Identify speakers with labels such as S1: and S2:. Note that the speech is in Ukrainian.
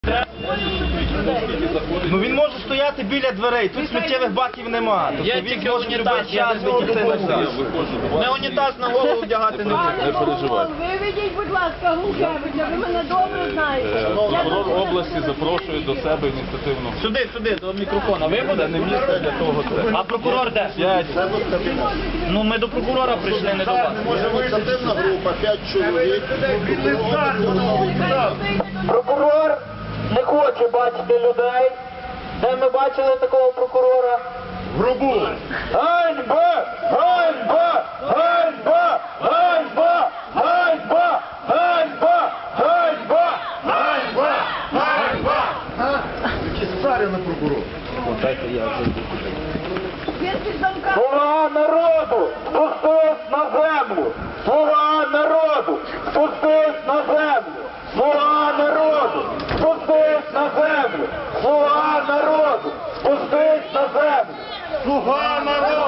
S1: Ну він може стояти біля дверей, тут сміттєвих баків нема. Тобто
S2: Є
S1: він
S2: тільки
S1: може
S2: унітаз,
S1: любий час вийти назад.
S2: Не унітаз на голову вдягати не буде.
S3: Не переживайте. Виведіть, будь ласка, Гулкевича, ви мене добре знаєте.
S4: Прокурор області запрошує до себе ініціативну.
S2: Сюди, до мікрофона. Ви
S4: Це
S2: будете?
S4: не місце для того.
S2: А прокурор де? Ну ми до прокурора прийшли, не до вас.
S5: Ініціативна група, 5 чоловік.
S2: Прокурор не хоче бачити людей. Де ми бачили такого прокурора?
S5: Грубу.
S2: Ганьба! Ганьба! Ганьба! Ганьба! Ганьба! Ганьба! Ганьба!
S5: Ганьба! Ганьба! Які старі на прокурор.
S2: Слуга народу! Спустись на землю! Слуга народу! Спустись на землю! Слуга народу! Спустись на землю! Слуга народу! Спустись на землю!
S5: Слуга народу!